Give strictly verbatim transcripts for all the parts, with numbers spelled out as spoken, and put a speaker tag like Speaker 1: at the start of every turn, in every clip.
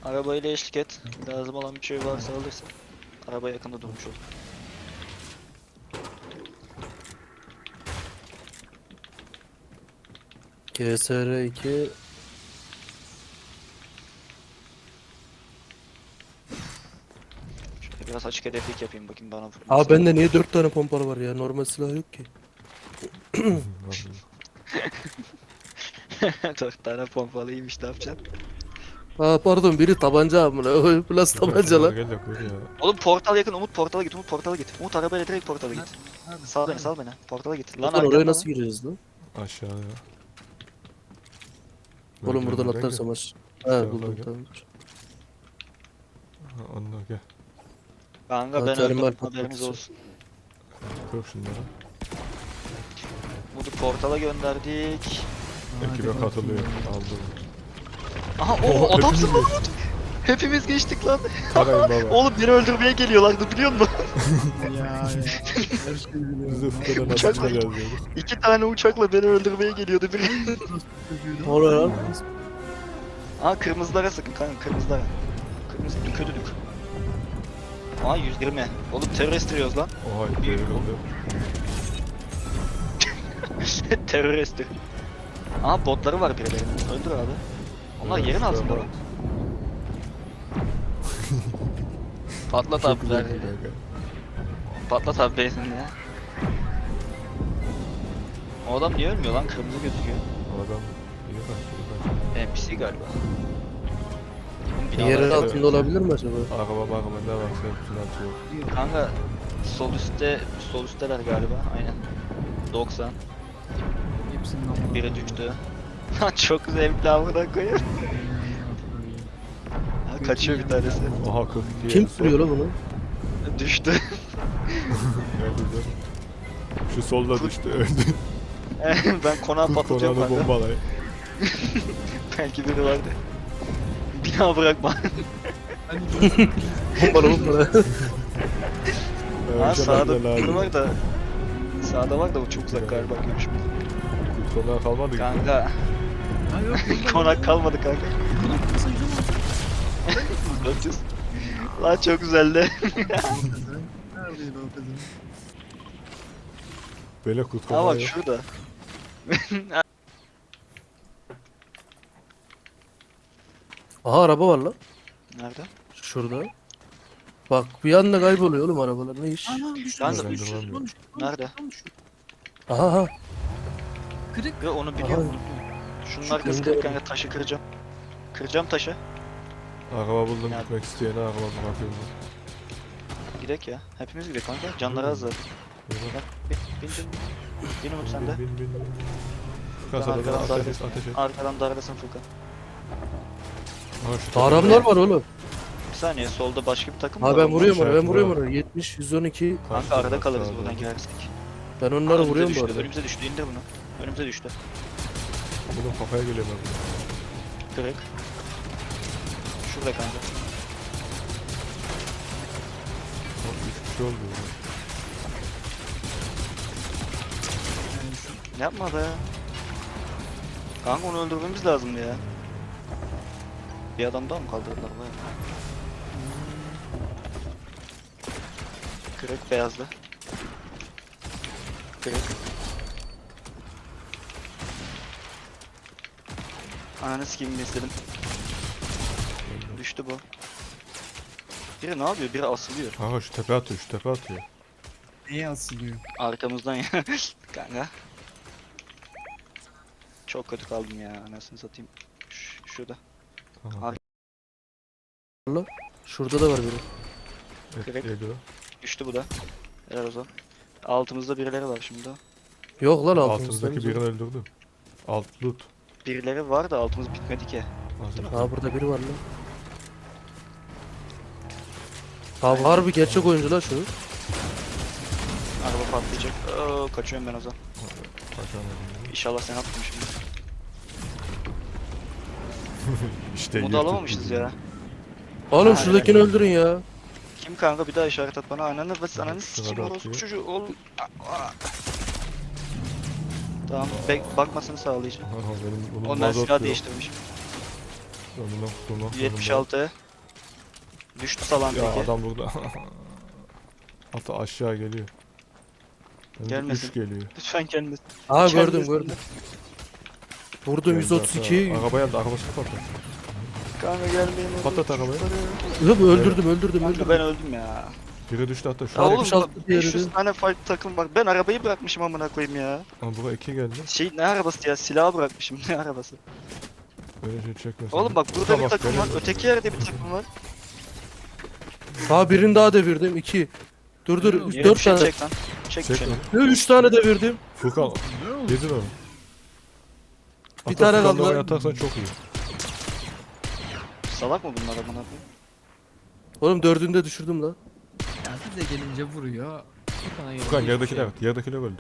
Speaker 1: Arabayla eşlik et. Lazım olan bir şey varsa alırsın. Araba yakında durmuş olur.
Speaker 2: G S R iki
Speaker 1: Şöyle biraz açık hedeflik yapayım bakayım bana.
Speaker 2: Abi bende niye dört tane pompalı var ya? Normal silah yok ki.
Speaker 1: Dört tane pompalıymış, ne yapacaksın?
Speaker 2: Aa pardon, biri tabanca amına. Plus tabanca lan.
Speaker 3: Gel de koy ya.
Speaker 1: Oğlum portal yakın, Umut portala git, Umut portala git. Umut arabayla direkt portala git.
Speaker 4: Nerede?
Speaker 1: Sal beni,
Speaker 4: Nerede?
Speaker 1: sal beni. Portala git. Lan
Speaker 2: Lan oraya
Speaker 1: arkamda
Speaker 2: nasıl
Speaker 1: lan.
Speaker 2: gireceğiz lan?
Speaker 3: Aşağıya.
Speaker 2: Oğlum buradan
Speaker 3: Merdivenlerden
Speaker 2: atlarsam
Speaker 3: gel.
Speaker 2: aç.
Speaker 3: Tamam,
Speaker 2: He buldum
Speaker 3: gel.
Speaker 2: tamam.
Speaker 3: Ha, onunla gel.
Speaker 1: Kanka ben
Speaker 2: Atarım
Speaker 1: öldüm,
Speaker 2: ben
Speaker 1: haberiniz
Speaker 2: patlatıcı.
Speaker 1: olsun.
Speaker 3: Kır şunları.
Speaker 1: Umut'u portala gönderdik.
Speaker 3: Ekibe
Speaker 4: Hadi
Speaker 3: katılıyor.
Speaker 4: bakayım.
Speaker 3: Aldım.
Speaker 1: Aha
Speaker 3: Oha,
Speaker 1: o adamsın lan
Speaker 3: hepimiz
Speaker 1: Umut. Hepimiz geçtik lan.
Speaker 3: Tarayın baba.
Speaker 1: Oğlum beni öldürmeye geliyorlardı biliyor musun?
Speaker 4: Ya ya. Her şeyi biliyorum.
Speaker 3: Biz de
Speaker 4: lan.
Speaker 3: fıkıda nasıl
Speaker 1: Uçak-
Speaker 3: çıkacağız diyoruz.
Speaker 1: İki tane uçakla beni öldürmeye geliyordu biri.
Speaker 2: Ne oluyor lan?
Speaker 1: Aa kırmızılara sakın kanka, kırmızılara. Kırmızı kötülük. Aa yüz yirmi. Oğlum terörist diyoruz lan.
Speaker 3: Oha devrildi.
Speaker 1: Terörist. Aa botları var birilerinin. Öldür abi. Onlar
Speaker 3: Evet,
Speaker 1: yerin
Speaker 3: işte
Speaker 1: altında
Speaker 3: ama.
Speaker 1: lan. Patlat
Speaker 3: Çok
Speaker 1: abi
Speaker 3: güzel
Speaker 1: birader.
Speaker 3: bir dakika.
Speaker 1: Patlat abi benzinini ya. O adam niye ölmüyor lan? Kırmızı gözüküyor.
Speaker 3: O adam iyi kaçtı.
Speaker 1: N P C galiba. Oğlum binalar
Speaker 2: Yerin
Speaker 1: tepede.
Speaker 2: altında olabilir mi acaba?
Speaker 3: Araba bakma ne var sen hepsini atıyor.
Speaker 1: Kanka sol üstte, sol üstteler galiba. Aynen. doksan.
Speaker 4: Hepsinin amına
Speaker 1: Biri
Speaker 4: koyayım.
Speaker 1: düştü. Lan çok zevkli amına koyayım. Ha, kaçıyor bir tanesi.
Speaker 3: Oha kırk iki.
Speaker 2: Kim sürüyor lan bunu?
Speaker 1: Düştü.
Speaker 3: Nerede lan? Şu solda düştü öldü.
Speaker 1: Ben konağı
Speaker 3: Kurt
Speaker 1: patlatıyorum
Speaker 3: konağını
Speaker 1: kanka.
Speaker 3: bombalay.
Speaker 1: Belki biri vardı. Bina bırakma.
Speaker 4: Hani dur.
Speaker 2: Pompalı pompalı.
Speaker 1: Ha
Speaker 3: Önce
Speaker 1: sağda
Speaker 3: benden
Speaker 1: biri
Speaker 3: lazım.
Speaker 1: var da. Sağda var da o çok uzak galiba görüşümüz.
Speaker 3: Kurt konağı kalmadı ki.
Speaker 1: Kanka.
Speaker 4: Ha yok burada.
Speaker 1: Konak kalmadı kanka.
Speaker 4: Konak kısa yüzüm var.
Speaker 1: dört yüz. Lan çok güzeldi.
Speaker 4: Neredeydi o kızın?
Speaker 3: Böyle kurt
Speaker 1: Ha
Speaker 3: konağı
Speaker 1: bak
Speaker 3: yok.
Speaker 1: şurada.
Speaker 2: Aha araba var lan.
Speaker 1: Nerede?
Speaker 2: Şurada. Bak bir anda kayboluyor oğlum arabalar, ne iş?
Speaker 4: Ana düştü
Speaker 1: Ben
Speaker 4: düştü
Speaker 3: de-
Speaker 4: düştü.
Speaker 3: Ben de
Speaker 4: Lan düştü.
Speaker 1: Nerede?
Speaker 4: Lan düştü.
Speaker 2: Aha aha.
Speaker 4: Kırık.
Speaker 1: Ya onu biliyorum. Şunun arkası
Speaker 2: Şu
Speaker 1: kırık
Speaker 2: kırmızı-
Speaker 1: kanka, taşı kıracağım. Kıracağım taşı.
Speaker 3: Araba buldum
Speaker 1: Ya-
Speaker 3: gitmek isteyene araba bırakıyorum.
Speaker 1: Gidek ya. Hepimiz gidelim kanka. Canları az zaten.
Speaker 3: Yürü.
Speaker 1: Bak bin bin bin. Bin Umut sen de.
Speaker 3: Bin bin bin.
Speaker 1: Ben
Speaker 3: Kasada
Speaker 1: arkadan
Speaker 3: ateş et
Speaker 1: darlasın.
Speaker 3: ateş et.
Speaker 1: Arkadan darlasın Furkan.
Speaker 3: Aha, şu tarafa-
Speaker 2: Adamlar var oğlum.
Speaker 1: Bir saniye, solda başka bir takım
Speaker 2: Ha
Speaker 1: var.
Speaker 2: ben
Speaker 1: Onlar-
Speaker 2: vuruyorum ona, ben
Speaker 3: işaretli
Speaker 2: vuruyorum
Speaker 3: var.
Speaker 2: ona. yetmiş yüz on iki.
Speaker 1: Kanka
Speaker 3: Karşıda,
Speaker 1: arada kalırız
Speaker 3: sağda.
Speaker 1: buradan girersek.
Speaker 2: Ben
Speaker 1: Aa,
Speaker 2: onları
Speaker 1: önümüze
Speaker 2: vuruyorum bu
Speaker 1: düştü.
Speaker 2: arada.
Speaker 1: Önümüze düştü. İndir bunu. Önümüze düştü.
Speaker 3: Bunun kafaya geliyor ben.
Speaker 1: Kırık. Şurada kanka.
Speaker 3: Bak üç kişi oldu. ya.
Speaker 4: Yani şu
Speaker 1: Yapma be. Kanka onu öldürmemiz lazımdı ya. Bir adam daha mı kaldırdılar be? Kırık beyazlı. Kırık. Ananı sikeyim istedim. Düştü bu. Biri ne yapıyor? Biri asılıyor.
Speaker 3: Kanka şu tepe atıyor şu tepe atıyor.
Speaker 4: neye asılıyor?
Speaker 1: Arkamızdan ya. Kanka. Çok kötü kaldım ya, anasını satayım. Ş şurada.
Speaker 3: Tamam.
Speaker 2: Şurada da var biri.
Speaker 3: Et,
Speaker 1: Kırık.
Speaker 3: yedi o.
Speaker 1: Düştü bu da. Helal o zaman. Altımızda birileri var şimdi.
Speaker 2: Yok lan altımızda.
Speaker 3: Altımızdaki birini öldürdüm. Alt loot.
Speaker 1: Birileri var da altımız bitmedi ki.
Speaker 3: Hazır.
Speaker 2: Ha burada biri var lan. Ha harbi gerçek oyuncu lan şu.
Speaker 1: Araba patlayacak. Oo, kaçıyorum ben o zaman.
Speaker 3: Kaçamadım.
Speaker 1: İnşallah sen attın şimdi.
Speaker 3: İşte
Speaker 1: Modu
Speaker 3: yırtık
Speaker 1: alamamışız
Speaker 3: bizi.
Speaker 1: ya.
Speaker 2: Oğlum
Speaker 1: Ha,
Speaker 2: şuradakini öldürün ya.
Speaker 1: Kim kanka, bir daha işaret at bana. Ananı ve ananı
Speaker 3: Şuna
Speaker 1: sikeyim
Speaker 3: da
Speaker 1: orospu
Speaker 3: atıyor.
Speaker 1: çocuğu. Oğlum. Aa, aa. Tamam, bek bakmasını sağlayacağım.
Speaker 3: Aha, benim bunun
Speaker 1: Ondan
Speaker 3: mazot
Speaker 1: silah
Speaker 3: yok.
Speaker 1: değiştirmiş.
Speaker 3: Amına koyayım.
Speaker 1: yetmiş altı. Düştü salan
Speaker 3: Ya
Speaker 1: peki.
Speaker 3: adam burada. Hatta aşağı geliyor.
Speaker 1: Gelmesin.
Speaker 3: üç geliyor.
Speaker 1: Lütfen kendisi.
Speaker 2: Aa
Speaker 1: Kendisi-
Speaker 2: gördüm gördüm. Vurdum
Speaker 3: Geldi
Speaker 2: yüz otuz iki.
Speaker 3: hatta. Arabaya da arabasını patlat.
Speaker 1: Kanka gelmeyin.
Speaker 3: Patlat arabayı.
Speaker 2: Hıp öldürdüm öldürdüm
Speaker 1: Kanka
Speaker 2: öldürdüm.
Speaker 1: ben öldüm ya.
Speaker 3: Biri düştü hatta şu
Speaker 1: Ya
Speaker 3: an.
Speaker 1: oğlum
Speaker 2: altmış altı
Speaker 1: bak
Speaker 2: diğeri
Speaker 1: beş yüz
Speaker 2: de.
Speaker 1: tane fight takım var. Ben arabayı bırakmışım amına koyayım ya.
Speaker 3: Aa, buraya iki geldi.
Speaker 1: Şey ne arabası ya? Silahı bırakmışım. Ne arabası?
Speaker 3: Böyle şey çekmesin.
Speaker 1: Oğlum bak burada
Speaker 3: Tamam,
Speaker 1: bir takım
Speaker 3: benim-
Speaker 1: var. Öteki yerde bir takım var.
Speaker 2: Ha birini daha devirdim. iki. Dur dur.
Speaker 4: Yürü,
Speaker 2: üç-
Speaker 1: Yere
Speaker 2: dört
Speaker 1: bir şey
Speaker 2: tane.
Speaker 1: çek lan. Çek
Speaker 3: Çek
Speaker 1: şunu.
Speaker 3: lan.
Speaker 2: Ne, üç tane devirdim.
Speaker 3: Furkan
Speaker 4: Ne oldu?
Speaker 3: yedin onu.
Speaker 2: Bir tane kaldı lan.
Speaker 3: Atarsan çok iyi.
Speaker 1: Salak mı bunlar amına koyayım?
Speaker 2: Oğlum dördünü de düşürdüm lan.
Speaker 4: Ya bize gelince vuruyor. Furkan'a gelince
Speaker 3: Furkan
Speaker 4: hiçbir
Speaker 3: yerdekiler
Speaker 4: şey
Speaker 3: evet. Yerdekiler öldü.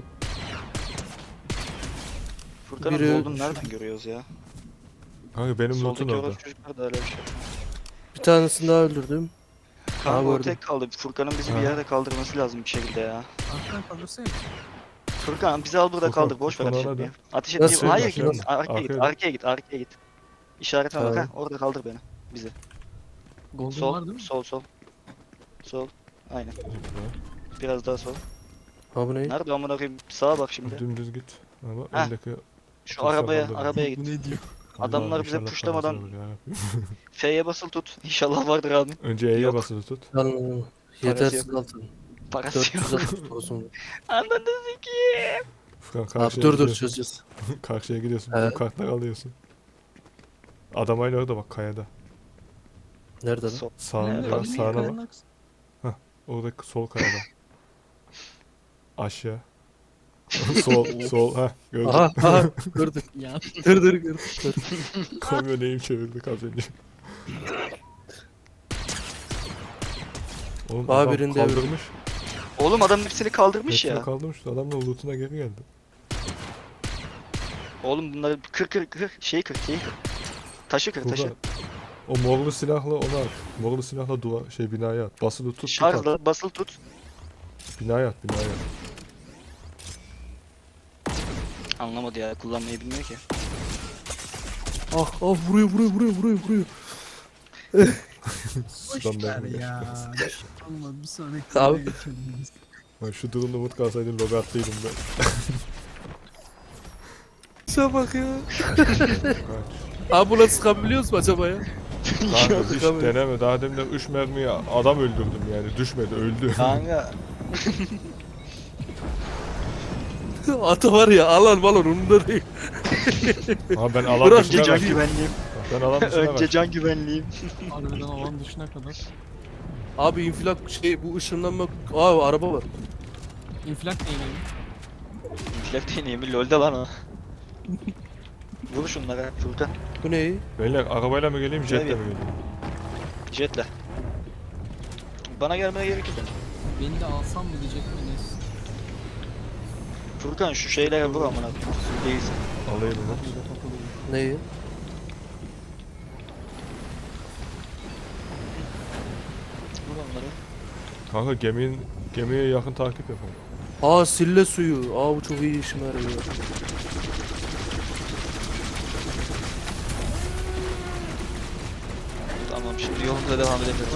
Speaker 1: Furkan'ın
Speaker 2: Biri-
Speaker 1: golden nereden görüyoruz ya?
Speaker 3: Kanka benim loot'un
Speaker 1: Soldaki
Speaker 3: orada.
Speaker 1: orası çocuklar da öyle bir şey.
Speaker 2: Bir tanesini daha öldürdüm.
Speaker 1: Kanka o
Speaker 2: gördüm.
Speaker 1: tek kaldı. Furkan'ın bizi bir
Speaker 3: Ha.
Speaker 1: yerde kaldırması lazım bir şekilde ya.
Speaker 4: yok. Arkadan kaldırsana.
Speaker 1: Furkan bizi al burada
Speaker 3: Furkan,
Speaker 1: kaldır. Boş ver
Speaker 3: Furkan
Speaker 1: ateş
Speaker 3: orada.
Speaker 1: etmeyi. Ateş
Speaker 2: Nasıl?
Speaker 1: etmeyi. Hayır
Speaker 3: Aşağıda.
Speaker 1: git. Arkaya git.
Speaker 3: Arkaya.
Speaker 1: Arkaya git. Arkaya git. İşaretine bak
Speaker 2: Tamam.
Speaker 1: ha. Orada kaldır beni. Bizi.
Speaker 4: Golden var
Speaker 1: Sol.
Speaker 4: değil mi?
Speaker 1: Sol sol. Sol. Aynen. Biraz daha sol.
Speaker 2: Ha bu ne?
Speaker 1: Nerede amına koyayım? Sağa bak şimdi.
Speaker 3: Dümdüz git. Ama
Speaker 1: Heh.
Speaker 3: öndeki...
Speaker 1: Şu
Speaker 3: Çok
Speaker 1: arabaya,
Speaker 3: sağlam da.
Speaker 1: arabaya
Speaker 4: Bu
Speaker 1: git.
Speaker 4: ne diyor?
Speaker 1: Adamlar
Speaker 3: Allah
Speaker 1: bize
Speaker 3: inşallah
Speaker 1: puşlamadan-
Speaker 3: kalmasın olur ya.
Speaker 1: F'ye basılı tut. İnşallah vardır abi.
Speaker 3: Önce E'ye
Speaker 1: Yok.
Speaker 3: basılı tut.
Speaker 2: Lan yetersiz altın.
Speaker 1: Parası yok.
Speaker 2: dört yüz altmış olsun.
Speaker 1: Anladın ki.
Speaker 3: Furkan
Speaker 2: Abi
Speaker 3: karşıya
Speaker 2: dur dur
Speaker 3: gidiyorsun.
Speaker 2: çözeceğiz.
Speaker 3: Karşıya gidiyorsun.
Speaker 2: Evet.
Speaker 3: Bu kartları alıyorsun. Adam aynı orada bak kayada.
Speaker 2: Nerede lan?
Speaker 1: Sol.
Speaker 3: Sağ,
Speaker 1: Evet,
Speaker 3: biraz
Speaker 1: bak,
Speaker 3: sağına bak.
Speaker 4: Kayanın aksi.
Speaker 3: Oradaki sol kayada. Aşağı. sol, sol. Ha gördüm.
Speaker 2: Aha aha gördüm.
Speaker 4: Ya
Speaker 2: Dur dur gördüm. Dur.
Speaker 3: Kamyon eğim çevirdik az önce. Oğlum
Speaker 2: Aa,
Speaker 3: adam
Speaker 2: birinde
Speaker 3: kaldırmış.
Speaker 1: Oğlum adam hepsini kaldırmış
Speaker 3: Hepsini
Speaker 1: ya.
Speaker 3: kaldırmış. Adamın lootuna geri geldi.
Speaker 1: Oğlum bunları kır kır kır. Şeyi kır şeyi kır. Taşı kır taşı.
Speaker 3: Burada o morlu silahla onu at. Morlu silahla duvar şey binaya at. Basılı tut tut at.
Speaker 1: Şarjla basılı tut.
Speaker 3: Binaya at binaya at.
Speaker 1: Anlamadı ya kullanmayı bilmiyor ki.
Speaker 2: Ah ah vuruyor vuruyor vuruyor vuruyor vuruyor.
Speaker 4: boş
Speaker 3: Lan
Speaker 4: ver
Speaker 3: ben-
Speaker 4: ya. Allah bir sonraki
Speaker 2: Abi.
Speaker 4: videoya geçelim biz.
Speaker 3: Ben şu durumda umut kalsaydım logo attıydım ben.
Speaker 2: Şuna bak ya.
Speaker 3: Kaç.
Speaker 2: Abi buna sıkabiliyoruz mu acaba ya?
Speaker 3: Kanka hiç
Speaker 2: Sıkamıyorum.
Speaker 3: deneme. Daha demin de üç mermiye adam öldürdüm yani. Düşmedi öldü.
Speaker 1: Kanka.
Speaker 2: Ata var ya alan balon umurumda değil.
Speaker 3: Ama ben alan
Speaker 2: Bırak
Speaker 3: dışına
Speaker 1: Önce can
Speaker 3: kaçtım.
Speaker 1: güvenliğim.
Speaker 3: Ben alan dışına
Speaker 1: Önce
Speaker 3: kaçtım.
Speaker 1: can güvenliğim.
Speaker 4: Harbiden alan dışına kadar.
Speaker 2: Abi infilak şey bu ışınlanma. Aa araba var.
Speaker 4: İnflak neydi?
Speaker 1: Inflect değneği mi? Lol'de lan o. Vur şunlara Furkan.
Speaker 2: Bu ne?
Speaker 3: Beyler arabayla mı geleyim jetle mi
Speaker 1: Evet.
Speaker 3: geleyim?
Speaker 1: Jetle. Bana gelmene gerek yok.
Speaker 4: Beni de alsam mı diyecek miyiz?
Speaker 1: Furkan şu şeylere vur amına koyayım. Değilsin.
Speaker 3: Alayım onu.
Speaker 4: Kapıyla takılıyor.
Speaker 2: Neyi?
Speaker 1: Vur onları.
Speaker 3: Kanka geminin gemiye yakın takip yapalım.
Speaker 2: Aa sille suyu. Aa bu çok iyi işime yarıyor.
Speaker 1: Tamam şimdi yolumuza devam edebiliriz.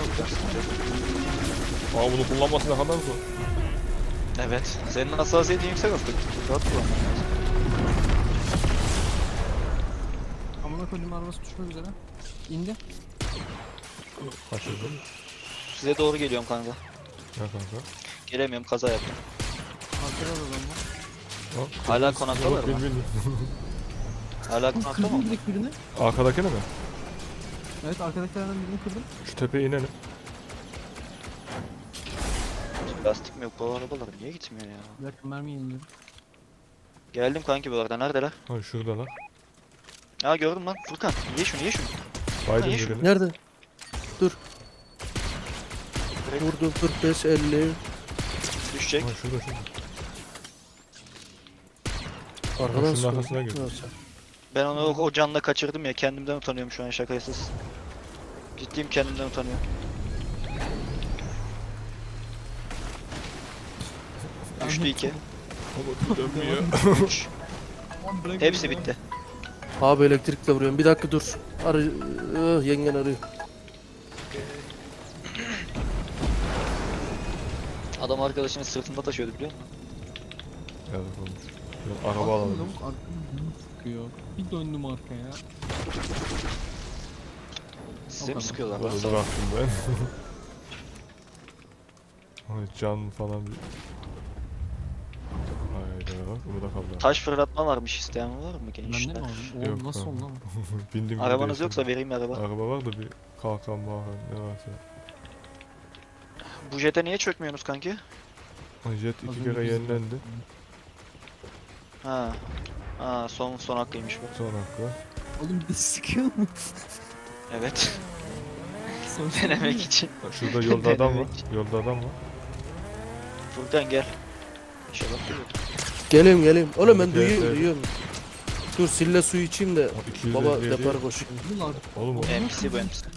Speaker 3: Aa bunu kullanması ne kadar zor.
Speaker 1: Evet. Senin hassasiyetin yüksek artık. Rahat kullanman lazım.
Speaker 4: Amına koyduğum arabası düşmek üzere. İndi.
Speaker 3: Kaçırdım.
Speaker 1: Size doğru geliyorum kanka.
Speaker 3: Ya kanka.
Speaker 1: Gelemiyorum kaza yaptım.
Speaker 4: Arkada da adam var.
Speaker 3: Ha,
Speaker 1: Hala
Speaker 3: yok,
Speaker 1: konaktalar
Speaker 3: bil,
Speaker 1: mı?
Speaker 3: bil.
Speaker 1: Hala konakta mı?
Speaker 4: Kırdım direkt birini.
Speaker 3: Arkadakine mi?
Speaker 4: Evet arkadakilerden birini kırdım.
Speaker 3: Şu tepeye inelim.
Speaker 1: Lastik mi yok bu arabalar niye gitmiyor ya?
Speaker 4: Bir dakika mermi yeniliyorum.
Speaker 1: Geldim kanki bu arada neredeler?
Speaker 3: Ha şuradalar.
Speaker 1: Aa gördüm lan Furkan ye şunu ye şunu.
Speaker 3: Baydım
Speaker 1: Ha, iyi şu-
Speaker 3: birini.
Speaker 2: Nerede?
Speaker 1: Direkt
Speaker 2: Vurdum kırk beş elli.
Speaker 1: düşecek.
Speaker 3: Ha şurada şurada.
Speaker 2: Arkadan
Speaker 3: şunun
Speaker 2: sıkıyor.
Speaker 3: arkasına gir.
Speaker 2: Neyse.
Speaker 1: Ben onu o, o canla kaçırdım ya kendimden utanıyorum şu an şakasız. Ciddiyim kendimden utanıyorum. Düştü iki.
Speaker 3: Ama dönmüyor.
Speaker 1: Üç.
Speaker 4: Tamam, bırak
Speaker 1: Hepsi
Speaker 4: beni ya.
Speaker 1: bitti.
Speaker 2: Abi elektrikle vuruyorum. Bir dakika dur. Arı... Öh, yengen arıyor.
Speaker 1: Adam arkadaşının sırtında taşıyordu biliyor musun?
Speaker 3: Evet olmuş. Yok, araba alalım.
Speaker 4: Lavuk arkamdan sıkıyor. Bir döndüm arkaya.
Speaker 1: Size mi
Speaker 4: kadar.
Speaker 1: sıkıyorlar lan?
Speaker 3: Böyle bıraktım ben. Ay, can falan bir... Hayda bak bunu da kaldı.
Speaker 1: Taş fırlatma varmış, isteyen var mı
Speaker 4: Bende
Speaker 1: gençler?
Speaker 4: mi aldın?
Speaker 3: Yok
Speaker 4: Oğlum nasıl
Speaker 3: lan.
Speaker 4: oldu lan?
Speaker 3: Bindim gibi
Speaker 1: Arabanız
Speaker 3: değiştirdim.
Speaker 1: yoksa vereyim araba.
Speaker 3: Araba var da bir kalkan bakan ne varsa.
Speaker 1: Bu jete niye çökmüyorsunuz kanki?
Speaker 3: Ay, jet
Speaker 4: Az
Speaker 3: iki
Speaker 4: önce
Speaker 3: kere
Speaker 4: biz-
Speaker 3: yenilendi.
Speaker 1: Ha. Ha son son hakkıymış bu.
Speaker 3: Son hakkı var.
Speaker 4: Oğlum bir de sıkıyor mu?
Speaker 1: Evet.
Speaker 4: Sonra
Speaker 1: Denemek için.
Speaker 3: Bak, şurada yolda adam var.
Speaker 1: Denemek.
Speaker 3: Yolda adam var.
Speaker 1: Furkan gel. İnşallah geliyor.
Speaker 2: Geleyim geleyim. Oğlum ben
Speaker 3: Evet,
Speaker 2: duyuyorum
Speaker 3: evet.
Speaker 2: duyuyorum. Dur sille suyu içeyim de
Speaker 3: O iki yüz
Speaker 2: baba
Speaker 3: elli yedi.
Speaker 2: depar koşayım.
Speaker 4: Yıllar.
Speaker 3: Oğlum o.
Speaker 1: M C bu M C.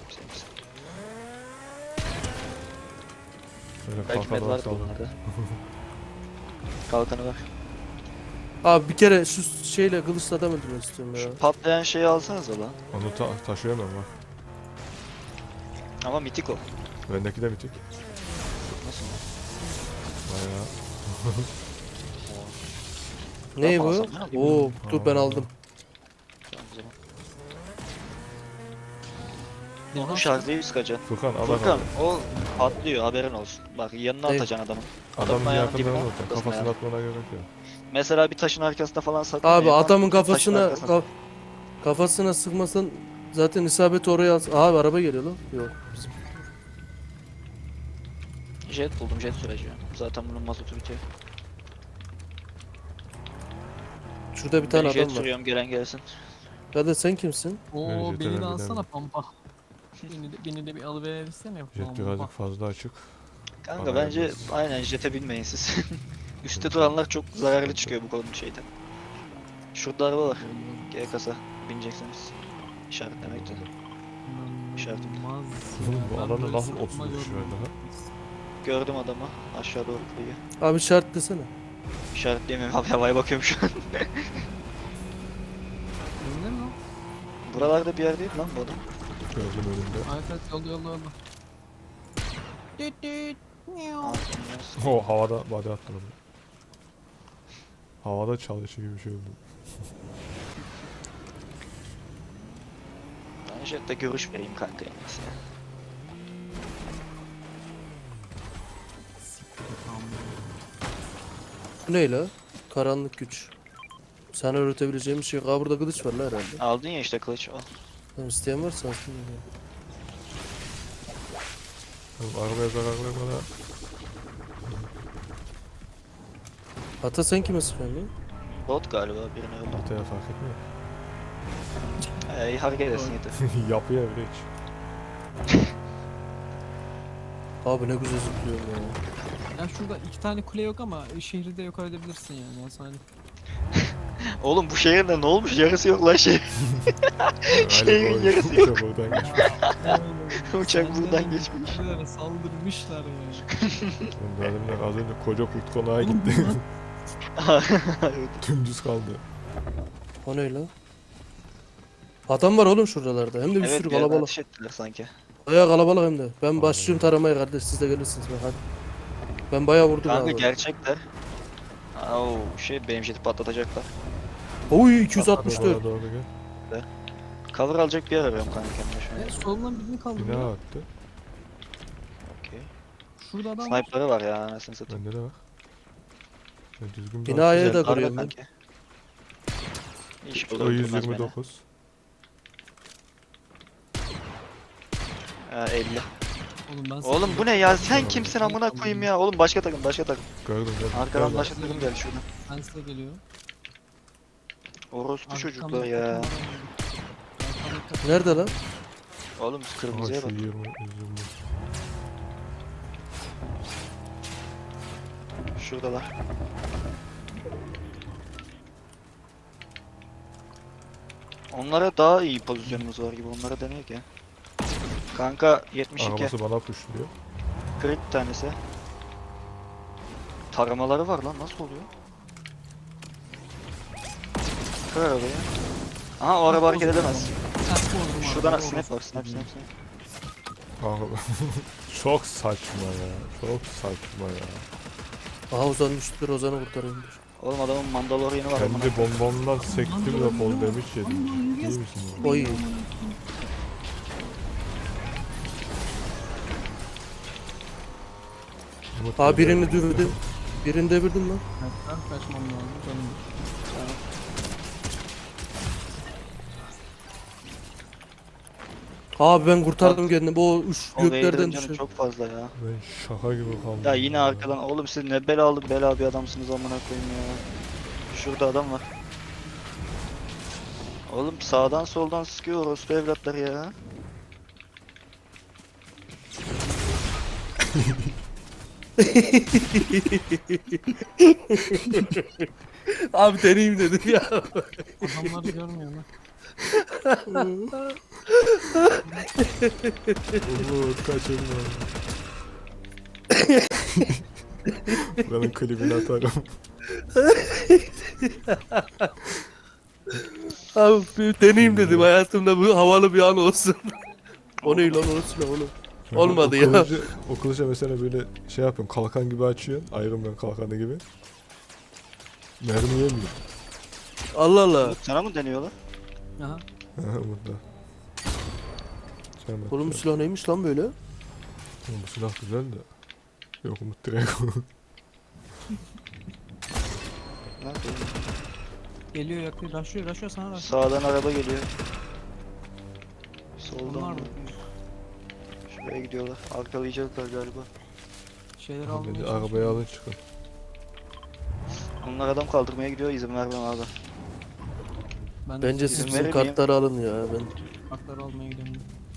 Speaker 3: Böyle
Speaker 1: Belki med
Speaker 3: kalkan
Speaker 1: vardır
Speaker 3: varsa
Speaker 1: bunlarda. Kalkanı var.
Speaker 2: Abi bir kere şu şeyle kılıçla adam öldürmek istiyorum ya.
Speaker 1: Şu patlayan şeyi alsanıza lan.
Speaker 3: Onu ta taşıyamam bak.
Speaker 1: Ama mitik o.
Speaker 3: Bendeki de bitik.
Speaker 1: Nasıl?
Speaker 3: Bayağı.
Speaker 2: Ne
Speaker 1: Tamam,
Speaker 2: bu?
Speaker 1: alsam ne alayım?
Speaker 2: Oo dur ben
Speaker 3: Aa.
Speaker 2: aldım.
Speaker 1: Tamam, o zaman.
Speaker 4: Devam
Speaker 1: Onu şarjlayıp sıkacaksın.
Speaker 3: Furkan al
Speaker 1: Furkan
Speaker 3: bakalım.
Speaker 1: o patlıyor, haberin olsun. Bak yanına
Speaker 2: Ne?
Speaker 1: atacaksın adamın.
Speaker 3: Adamın
Speaker 1: Adamın ayağının
Speaker 3: yakında
Speaker 1: dibine,
Speaker 3: zaten.
Speaker 1: kafasına
Speaker 3: Kafasına
Speaker 1: ayağını.
Speaker 3: atmana gerek yok.
Speaker 1: Mesela bir taşın arkasında falan saklan.
Speaker 2: Abi
Speaker 1: ya,
Speaker 2: adamın
Speaker 1: taşın
Speaker 2: kafasına
Speaker 1: arkasına.
Speaker 2: ka- kafasına sıkmasan zaten isabeti oraya al. Abi araba geliyor lan. Yok. Bizim.
Speaker 1: Jet buldum, jet süreci. Zaten bunun mazotu bitiyor.
Speaker 2: Şurada bir
Speaker 1: Ben
Speaker 2: tane
Speaker 1: jet
Speaker 2: adam var.
Speaker 1: sürüyorum, gelen gelsin.
Speaker 2: Hadi sen kimsin?
Speaker 4: Oo
Speaker 3: Evet,
Speaker 4: beni
Speaker 3: jetten
Speaker 4: de alsana
Speaker 3: bilemem.
Speaker 4: pampa. Beni de, beni de bir alıversene
Speaker 3: Jet
Speaker 4: pampa.
Speaker 3: birazcık fazla açık.
Speaker 1: Kanka
Speaker 3: Bana
Speaker 1: bence
Speaker 3: gelmez.
Speaker 1: aynen jete binmeyin siz. Üstte duranlar çok zararlı çıkıyor bu konunun şeyden. Şurada araba var. G kasa bineceksiniz. İşaretlemekte. İşaretim.
Speaker 4: İnanılmaz.
Speaker 3: Oğlum
Speaker 4: ya.
Speaker 3: bu
Speaker 4: Ben
Speaker 3: alanı
Speaker 4: böyle
Speaker 3: nasıl
Speaker 4: sıkma
Speaker 3: otuz üç
Speaker 4: görmedim.
Speaker 3: verdi ha?
Speaker 1: Gördüm adamı. Aşağı doğru kıyıyor.
Speaker 2: Abi şart desene.
Speaker 1: İşaretleyemiyorum abi, havaya bakıyorum şu an.
Speaker 4: Önde mi lan?
Speaker 1: Buralarda bir yer değil lan bu adam.
Speaker 3: Gördüm önümde.
Speaker 4: Evet evet yolda yolda yolda. Düt düt. Miau.
Speaker 1: Aa,
Speaker 3: O havada body attım onu. Havada çalışıyor gibi bir şey oldu.
Speaker 1: ben jette görüş vereyim kanka en iyisi.
Speaker 2: Bu ne la? Karanlık güç. Sana öğretebileceğim bir şey yok. Aa burada kılıç var la herhalde.
Speaker 1: Aldın ya işte kılıç al.
Speaker 2: Tamam isteyen varsa alsın. ya.
Speaker 3: Oğlum arabaya zarar vermeden.
Speaker 2: Ata sen kime sıkıyorsun lan?
Speaker 1: Bot galiba birini öldürdü.
Speaker 3: Ataya fark etmiyor.
Speaker 1: Ee, iyi hareket edesin yeter.
Speaker 3: Yapıyor bile hiç.
Speaker 2: Abi ne güzel zıplıyor ya.
Speaker 4: Ya şurada iki tane kule yok ama şehri de yok edebilirsin yani. Ya hani.
Speaker 1: Oğlum bu şehirde ne olmuş? Yarısı yok lan şehir. Şehrin yarısı yok.
Speaker 3: Uçak oradan geçmiş.
Speaker 1: Uçak buradan
Speaker 4: Senlerin
Speaker 1: geçmiş.
Speaker 4: kişilere saldırmışlar ya.
Speaker 3: Oğlum Zalimler az önce koca kurt konağa
Speaker 4: Oğlum
Speaker 3: gitti.
Speaker 4: bunlar
Speaker 1: Evet.
Speaker 3: Dümdüz kaldı.
Speaker 2: O ne la? Adam var oğlum şuralarda. Hem de bir
Speaker 1: Evet,
Speaker 2: sürü
Speaker 1: bir yerden
Speaker 2: kalabalık.
Speaker 1: ateş ettiler sanki.
Speaker 2: Bayağı kalabalık hem de. Ben
Speaker 3: Allah
Speaker 2: başlıyorum
Speaker 3: Allah.
Speaker 2: taramaya kardeş. Siz de gelirsiniz bak hadi. Ben bayağı vurdum
Speaker 1: Kanka
Speaker 2: abi.
Speaker 1: gerçekler. Oo şey benim jeti patlatacaklar.
Speaker 2: Oy iki yüz altmış dört.
Speaker 3: Bana doğru gel.
Speaker 1: Cover alacak bir yer arıyorum kanka kendime şu an.
Speaker 4: Ya solundan birini kaldırdı.
Speaker 3: Bina
Speaker 4: ya.
Speaker 3: attı.
Speaker 1: Okey.
Speaker 4: Şurada adam var.
Speaker 1: Sniper'ı var ya anasını satayım.
Speaker 3: Bende de var. Ben düzgün bir
Speaker 2: Binaya
Speaker 1: Güzel,
Speaker 2: da
Speaker 1: darla
Speaker 2: kırıyorum ben.
Speaker 1: kanki. İş
Speaker 3: O
Speaker 1: olur
Speaker 3: yüz
Speaker 1: durmaz
Speaker 3: yirmi
Speaker 1: beni.
Speaker 3: dokuz.
Speaker 1: Ha, elli.
Speaker 4: Oğlum ben
Speaker 1: Oğlum bu ne ya? Sen kimsin amına koyayım ya? Oğlum başka takım, başka takım.
Speaker 3: Gördüm gördüm.
Speaker 1: Arkadan
Speaker 3: Gördüm.
Speaker 1: başka takım geldi şuradan.
Speaker 4: Ben size geliyor.
Speaker 1: Orospu
Speaker 4: Arkamda
Speaker 1: çocuklar
Speaker 4: takım
Speaker 1: ya.
Speaker 4: var. Arkamda takım-
Speaker 2: Nerede lan?
Speaker 1: Oğlum
Speaker 3: Aha
Speaker 1: kırmızıya
Speaker 3: şu
Speaker 1: bak.
Speaker 3: yirmi, yüz yirmi.
Speaker 1: Şuradalar. Onlara daha iyi pozisyonumuz var gibi. Onlara deneyek ya. Kanka yetmiş iki.
Speaker 3: Arabası bana pushluyor.
Speaker 1: Kırık bir tanesi. Taramaları var lan. Nasıl oluyor? Kır arabayı. Aha o araba hareket edemez.
Speaker 4: Ters vurdum abi.
Speaker 1: Şuradan
Speaker 4: Orası.
Speaker 1: snap var, snap snap snap.
Speaker 3: Abi, çok saçma ya. Çok saçma ya.
Speaker 2: Aha Ozan düştüler, Ozan'ı kurtarayım dur.
Speaker 1: Oğlum adamın Mandalorian'ı var amına.
Speaker 3: Kendi bombamdan sektim de fall damage yedim. İyi misin ya?
Speaker 2: Oy.
Speaker 3: Umut
Speaker 2: Ha
Speaker 3: ya.
Speaker 2: birini dövdüm. Birini devirdim lan.
Speaker 4: Ben kaçmam lazım canım.
Speaker 2: Abi ben kurtardım kendimi. Bu üç
Speaker 1: O Vader'ın
Speaker 2: göklerden
Speaker 1: canı
Speaker 2: düşüyor.
Speaker 1: çok fazla ya.
Speaker 3: Ben şaka gibi kaldım.
Speaker 1: Ya yine arkadan oğlum siz ne belalı bela bir adamsınız amına koyayım ya. Şurada adam var. Oğlum sağdan soldan sıkıyor orospu evlatlar ya.
Speaker 2: Abi deneyeyim dedim ya.
Speaker 4: Adamları görmüyor mu?
Speaker 3: Umut kaçırma. Buranın klibini atarım.
Speaker 2: Abi bir deneyeyim dedim, hayatımda bu havalı bir an olsun. O ne lan, orası ne oğlum? Olmadı
Speaker 3: o
Speaker 2: ya.
Speaker 3: Kılıcı, o kılıca mesela böyle şey yapıyorum, kalkan gibi açıyorsun. Iron Man kalkanı gibi. Mermi yemiyor.
Speaker 2: Allah Allah.
Speaker 1: Sana mı deniyorlar?
Speaker 4: Aha.
Speaker 3: Umut'ta. Canım
Speaker 2: Oğlum bu
Speaker 3: atıyor.
Speaker 2: silah neymiş lan böyle?
Speaker 3: Oğlum bu silah güzel de. Yok Umut direkt.
Speaker 1: Nerede?
Speaker 4: Geliyor yakıyor. Raşıyor raşıyor sana raşıyor.
Speaker 1: Sağdan araba geliyor. Soldan
Speaker 4: Onlar
Speaker 1: mı?
Speaker 4: mı?
Speaker 1: Şuraya gidiyorlar. Arkalayacaklar galiba.
Speaker 4: Şeyleri almaya
Speaker 3: Beni
Speaker 4: çalışıyor.
Speaker 3: arabaya alın çıkın.
Speaker 1: Onlar adam kaldırmaya gidiyor, izin vermem abi.
Speaker 4: Ben de
Speaker 2: Bence siz
Speaker 1: İzin
Speaker 2: bizim
Speaker 1: verir miyim?
Speaker 2: kartları alın ya. Ben
Speaker 4: hakları almaya gidiyorum.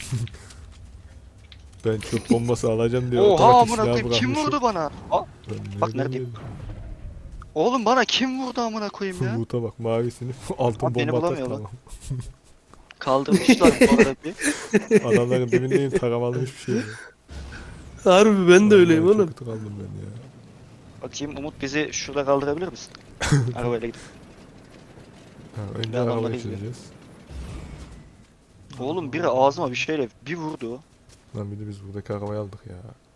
Speaker 3: Ben çöp bombası alacağım diye
Speaker 1: Oha
Speaker 3: otomatik
Speaker 1: amına
Speaker 3: silah
Speaker 1: koyayım kim
Speaker 3: bırakmışım.
Speaker 1: vurdu bana? Aa,
Speaker 3: Ben
Speaker 1: Bak
Speaker 3: nereden
Speaker 1: neredeyim?
Speaker 3: bileyim?
Speaker 1: oğlum bana kim vurdu amına koyayım ya?
Speaker 3: Umut'a bak mavisini altın
Speaker 1: Abi beni
Speaker 3: bomba atar
Speaker 1: bulamıyorlar.
Speaker 3: tamam.
Speaker 1: Kaldırmışlar bu arada bir.
Speaker 3: Adamların dibindeyim taramalı hiçbir şey yok.
Speaker 2: harbi ben de öyleyim
Speaker 3: Vallahi
Speaker 2: oğlum.
Speaker 3: Çok kötü kaldım ben ya.
Speaker 1: Bakayım Umut bizi şurada kaldırabilir misin? Arabayla gidip.
Speaker 3: Ha, önce
Speaker 1: Ben adamları
Speaker 3: arabayı
Speaker 1: izliyorum.
Speaker 3: çizeceğiz.
Speaker 1: Oğlum biri ağzıma bir şeyle bir vurdu.
Speaker 3: Lan bir de biz buradaki arabayı aldık ya.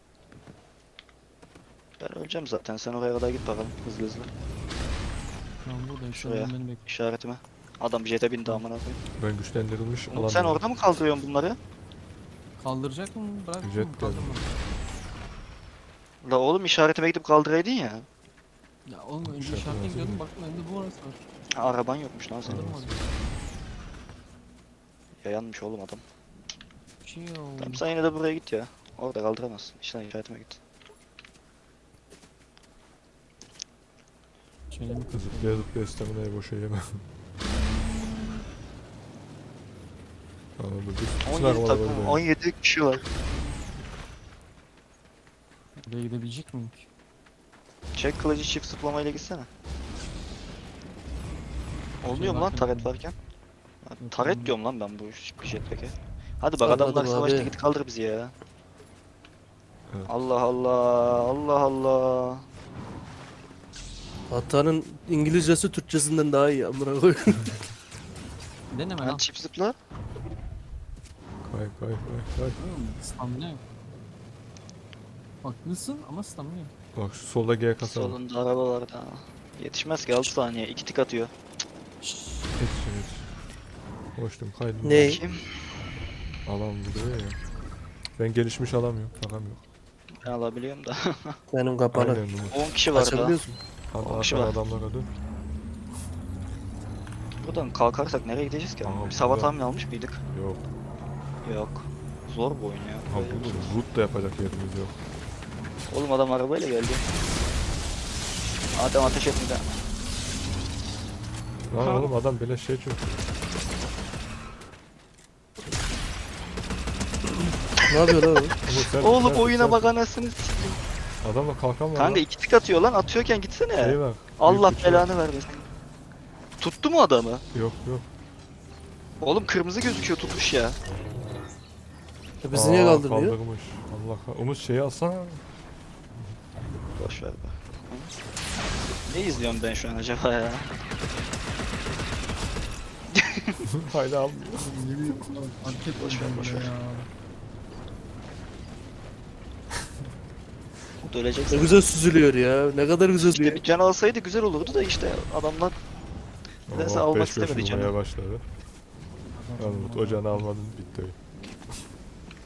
Speaker 1: Ben öleceğim zaten. Sen oraya kadar git bakalım hızlı hızlı.
Speaker 4: Şu an buradayım.
Speaker 1: Şuraya.
Speaker 4: Şuraya. Beni bekliyor.
Speaker 1: İşaretime. Adam jete bindi amına koyayım.
Speaker 3: Ben güçlendirilmiş
Speaker 1: Umut sen orada mı kaldırıyorsun bunları?
Speaker 4: Kaldıracak mı? Bırak mı?
Speaker 3: Jet geldi.
Speaker 4: Kaldırma.
Speaker 1: La oğlum işaretime gidip kaldıraydın ya.
Speaker 4: Ya oğlum önce
Speaker 3: Şaka
Speaker 4: işaretine
Speaker 3: lazım.
Speaker 4: gidiyordum. Baktım önünde bu arası var.
Speaker 1: Ha, araban yokmuş lan senin.
Speaker 4: Kaldırmadı.
Speaker 1: Yayanmış oğlum adam.
Speaker 4: Bir şey yok.
Speaker 1: Tamam sen yine de buraya git ya. Orada kaldıramazsın. İşte işaretime git.
Speaker 4: Şöyle mi kızım?
Speaker 3: Zıplaya zıplaya staminayı boşa yeme. Anladım. Bütün
Speaker 1: on yedi
Speaker 3: arabalar
Speaker 1: takım,
Speaker 3: orada.
Speaker 1: on yedi kişi var.
Speaker 4: Buraya gidebilecek miyim ki?
Speaker 1: Çek kılıcı çift zıplamayla gitsene. Olmuyor mu lan
Speaker 4: varken
Speaker 1: taret
Speaker 4: mi?
Speaker 1: varken? Ha,
Speaker 4: Yok,
Speaker 1: taret
Speaker 4: olmuyor.
Speaker 1: diyorum lan ben bu jetpack'e. Hadi bak
Speaker 2: Anladım
Speaker 1: adamlar savaşta
Speaker 2: abi.
Speaker 1: git kaldır bizi ya.
Speaker 3: Evet.
Speaker 1: Allah Allah Allah Allah.
Speaker 2: Hatanın İngilizcesi Türkçesinden daha iyi amına koyayım.
Speaker 4: Deneme
Speaker 1: Lan
Speaker 4: lan.
Speaker 1: çift zıpla.
Speaker 3: Kay kay kay kay.
Speaker 4: Oğlum, Stamina yok. Haklısın ama stamina yok.
Speaker 3: Bak şu solda G kasa var.
Speaker 1: Solunda araba var daha. Yetişmez ki altı saniye. iki tik atıyor.
Speaker 3: Yetişin yetişin. Koştum kaydım.
Speaker 2: Ne?
Speaker 1: Kim?
Speaker 3: Alan vuruyor ya. Ben gelişmiş alamıyorum. Takam yok.
Speaker 1: Ben alabiliyorum da.
Speaker 2: Benim kapalı.
Speaker 3: Aynen Umut.
Speaker 1: on kişi var daha.
Speaker 2: Açabiliyorsun.
Speaker 3: Hadi
Speaker 1: On kişi
Speaker 3: arkadan
Speaker 1: var.
Speaker 3: adamlara dön.
Speaker 1: Buradan kalkarsak nereye gideceğiz ki?
Speaker 3: Aha,
Speaker 1: Biz hava
Speaker 3: burada.
Speaker 1: tahmini almış mıydık?
Speaker 3: Yok.
Speaker 1: Yok. Zor bu oyun ya.
Speaker 3: Ha
Speaker 1: Böyle
Speaker 3: bu
Speaker 1: bir-
Speaker 3: root da yapacak yerimiz yok.
Speaker 1: Oğlum adam arabayla geldi. Adam ateş etmedi.
Speaker 3: Lan
Speaker 1: Ha.
Speaker 3: oğlum adam böyle şey çok.
Speaker 2: Ne yapıyor lan o?
Speaker 3: Umut sen-
Speaker 1: Oğlum
Speaker 3: sen-
Speaker 1: oyuna
Speaker 3: sen-
Speaker 1: bak anasını sikeyim.
Speaker 3: Adamla kalkan var
Speaker 1: Kanka
Speaker 3: lan.
Speaker 1: iki tık atıyor lan, atıyorken gitsene.
Speaker 3: Şey bak.
Speaker 1: Allah
Speaker 3: büyük bir şey.
Speaker 1: belanı vermesin. Tuttu mu adamı?
Speaker 3: Yok yok.
Speaker 1: Oğlum kırmızı gözüküyor, tutmuş ya.
Speaker 2: Ya bizi niye
Speaker 3: Aa,
Speaker 2: kaldırmıyor?
Speaker 3: Kaldırmış. Allah kah- Umut şeyi alsana.
Speaker 1: Boş ver be. Ne izliyorum ben şu an acaba ya?
Speaker 3: Hala almıyor.
Speaker 4: Ne bileyim. Antep
Speaker 1: Boş ver, boş ver.
Speaker 4: ya.
Speaker 1: Umut ölecek
Speaker 2: Ne
Speaker 1: zaten.
Speaker 2: güzel süzülüyor ya. Ne kadar güzel
Speaker 1: İşte
Speaker 2: diyor.
Speaker 1: bir can alsaydı güzel olurdu da işte adamlar nedense
Speaker 3: Oh,
Speaker 1: almak
Speaker 3: beş beş
Speaker 1: istemedi
Speaker 3: vurmaya
Speaker 1: canı.
Speaker 3: başladı. Anladım. O canı almadın bitti oyun.